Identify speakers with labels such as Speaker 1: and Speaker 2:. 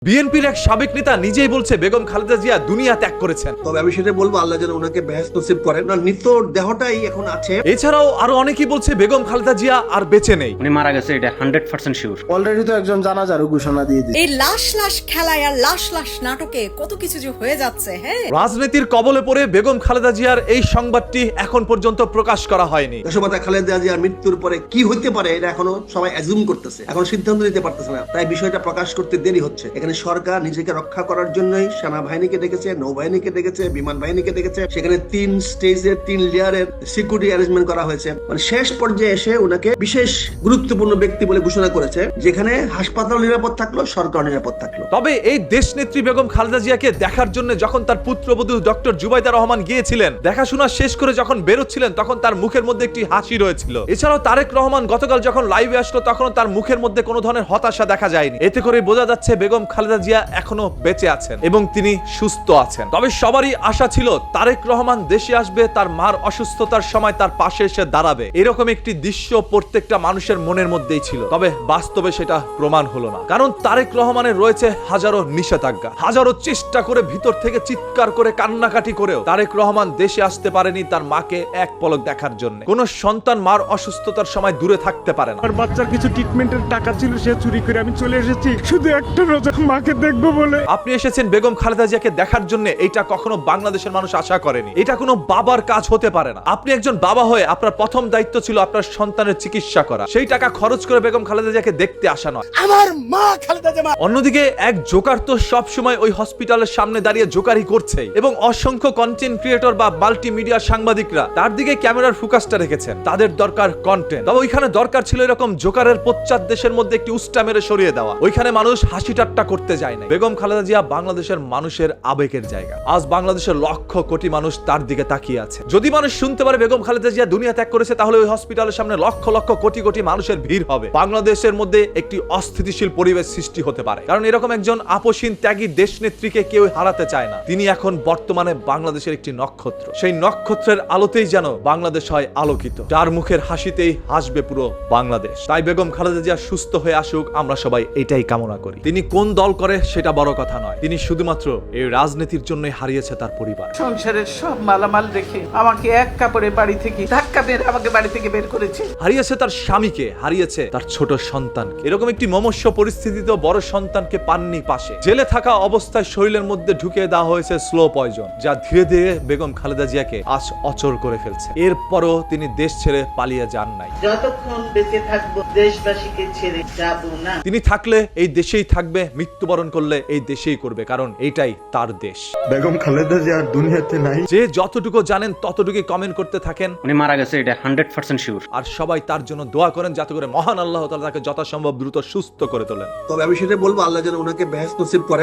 Speaker 1: বিএনপির এক সাবেক নেতা নিজেই বলছে বেগম খালেদা জিয়া দুনিয়া ত্যাগ করেছেন।
Speaker 2: তবে আমি সেটা বলবো, আল্লাহ যেন ওনাকে বেহেশত নসিব করেন। ওনার নিত্য দেহটাই এখন আছে।
Speaker 1: এছাড়াও আরো অনেকেই বলছে বেগম খালেদা জিয়া আর বেঁচে নেই।
Speaker 3: উনি মারা গেছে, এটা 100% শিওর।
Speaker 4: অলরেডি তো একজন জানাজারও ঘোষণা দিয়ে দিয়েছে।
Speaker 5: এই লাশ লাশ খেলায় আর লাশ লাশ নাটকে কত কিছু যে হয়ে যাচ্ছে। হ্যাঁ,
Speaker 1: রাজনীতির কবলে পড়ে বেগম খালেদা জিয়ার এই সংবাদটি এখন পর্যন্ত প্রকাশ করা হয়নি।
Speaker 2: দেশমাতা খালেদা জিয়ার মৃত্যুর পরে কি হতে পারে এটা এখনো সবাই অ্যাজুম করতেছে, এখন সিদ্ধান্ত নিতে পারতেছে না। তাই বিষয়টা প্রকাশ করতে দেরি হচ্ছে। এখানে সরকার নিজেকে রক্ষা করার জন্যই সেনাবাহিনীকে ডেকেছে, নৌবাহিনীকে ডেকেছে, বিমান বাহিনীকে ডেকেছে। সেখানে 3 স্টেজের 3 লেয়ারের সিকিউরিটি অ্যারেঞ্জমেন্ট করা হয়েছে। মানে শেষ পর্যায়ে এসে ওনাকে বিশেষ গুরুত্বপূর্ণ ব্যক্তি বলে ঘোষণা করেছে, যেখানে হাসপাতাল নিরাপদ থাকলো, সরকার নিরাপদ থাকলো।
Speaker 1: তবে এই দেশনেত্রী বেগম খালেদা জিয়াকে দেখার জন্য যখন তার পুত্রবধূ ডক্টর জুবাইদা রহমান গিয়েছিলেন, দেখাশোনা শেষ করে যখন বেরোচ্ছিলেন, তখন তার মুখের মধ্যে একটি হাসি রয়েছিল। এছাড়াও তারেক রহমান গতকাল যখন লাইভে আসলো, তখন তার মুখের মধ্যে কোনো ধরনের হতাশা দেখা যায়নি। এতে করে বোঝা যাচ্ছে বেগম খালেদা জিয়া এখনো বেঁচে আছেন এবং তিনি সুস্থ আছেন। তবে সবারই আশা ছিল তারেক রহমান দেশে আসবে, তার মার অসুস্থতার সময় তার পাশে এসে দাঁড়াবে, এরকম একটি দৃশ্য প্রত্যেকটা মানুষের মনের মধ্যেই ছিল। তবে বাস্তবে সেটা প্রমাণ হলো না, কারণ তারেক রহমানের রয়েছে হাজারো নিষেধাজ্ঞা। হাজারো চেষ্টা করে ভিতর থেকে চিৎকার করে কান্নাকাটি করেও তারেক রহমান দেশে আসতে পারেনি তার মাকে এক পলক দেখার জন্য। কোন সন্তান মার অসুস্থতার সময় দূরে থাকতে পারে না।
Speaker 6: আর বাচ্চার কিছু ট্রিটমেন্টের টাকা ছিল, সে চুরি করে আমি চলে এসেছি শুধু একটা রোজা মাকে দেখবো বলে।
Speaker 1: আপনি এসেছেন বেগম খালেদা জিয়াকে দেখার জন্য, এটা কখনো বাংলাদেশের মানুষ আশা করেনি। এটা কোনো বাবার কাজ হতে পারে না। আপনি একজন বাবা হয়ে আপনার প্রথম দায়িত্ব ছিল আপনার সন্তানের চিকিৎসা করা, সেই টাকা খরচ করে বেগম খালেদা জিয়াকে দেখতে আসা নয়।
Speaker 4: আমার মা খালেদা জিয়া।
Speaker 1: অন্যদিকে এক জোকার তো সব সময় ওই হসপিটালের সামনে দাঁড়িয়ে জোকারি করছে এবং অসংখ্য কন্টেন্ট ক্রিয়েটর বা মাল্টিমিডিয়া সাংবাদিকরা তার দিকে ক্যামেরার ফোকাসটা রেখেছেন। তাদের দরকার কন্টেন্ট। তবে ওইখানে দরকার ছিল এরকম জোকারের পশ্চাৎ দেশের মধ্যে একটি উস্টা মেরে সরিয়ে দেওয়া। ওইখানে মানুষ হাসি ঠাট্টা করতে যায় না। বেগম খালেদা জিয়া বাংলাদেশের মানুষের আবেগের জায়গা। আজ বাংলাদেশের লক্ষ কোটি মানুষ তার দিকে তাকিয়ে আছে। যদি মানুষ শুনতে পারে বেগম খালেদা জিয়া দুনিয়া ত্যাগ করেছে, তাহলে ওই হসপিটালের সামনে লক্ষ লক্ষ কোটি কোটি মানুষের ভিড় হবে। বাংলাদেশের মধ্যে একটি অস্থিতিশীল পরিবেশ সৃষ্টি হতে পারে, কারণ এরকম একজন আপসীন ত্যাগী দেশনেত্রীকে কেউ হারাতে চায় না। তিনি এখন বর্তমানে বাংলাদেশের একটি নক্ষত্র। সেই নক্ষত্রের আলোতেই যেন বাংলাদেশ হয় আলোকিত, যার মুখের হাসিতেই হাসবে পুরো বাংলাদেশ। তাই বেগম খালেদা জিয়া সুস্থ হয়ে আসুক, আমরা সবাই এটাই কামনা করি। তিনি কোন দল করে সেটা বড় কথা নয়, তিনি শুধুমাত্র এই রাজনীতির জন্যই হারিয়েছে তার পরিবার।
Speaker 7: সংসারের সব মালামাল রেখে আমাকে এক কাপড়ে বাড়ি থেকে ধাক্কা মেরে আমাকে বাড়ি থেকে বের করেছে।
Speaker 1: হারিয়েছে তার স্বামীকে, হারিয়েছে তার ছোট সন্তানকে। এরকম একটি মমস্য পরিস্থিতিতে বড় সন্তানকে পাননি পাশে। জেলে থাকা অবস্থায় শরীরের মধ্যে ঢুকিয়ে দেওয়া হয়েছে স্লো পয়জন, যা ধীরে ধীরে বেগম খালেদা জিয়াকে আজ অচল করে ফেলছে। এরপরও তিনি দেশ ছেড়ে পালিয়ে যান নাই।
Speaker 7: যতক্ষণ বেঁচে থাকবো দেশবাসীকে ছেড়ে যাব না।
Speaker 1: তিনি থাকলে এই দেশেই থাকবে, মৃত্যুবরণ করলে এই দেশেই করবে, কারণ এইটাই তার দেশ।
Speaker 6: বেগম খালেদা জিয়া আর দুনিয়াতে নাই।
Speaker 1: যে যতটুকু জানেন ততটুকু কমেন্ট করতে থাকেন।
Speaker 3: উনি মারা গেছে, এটা 100% শিওর।
Speaker 1: আর সবাই তার জন্য দোয়া করেন, যাতে করে মহান আল্লাহ তাআলা তাকে যথাসম্ভব দ্রুত সুস্থ করে তোলেন।
Speaker 2: তবে আমি সেটা বলবো, আল্লাহ যেন ওনাকে বেহেশত নসিব করেন।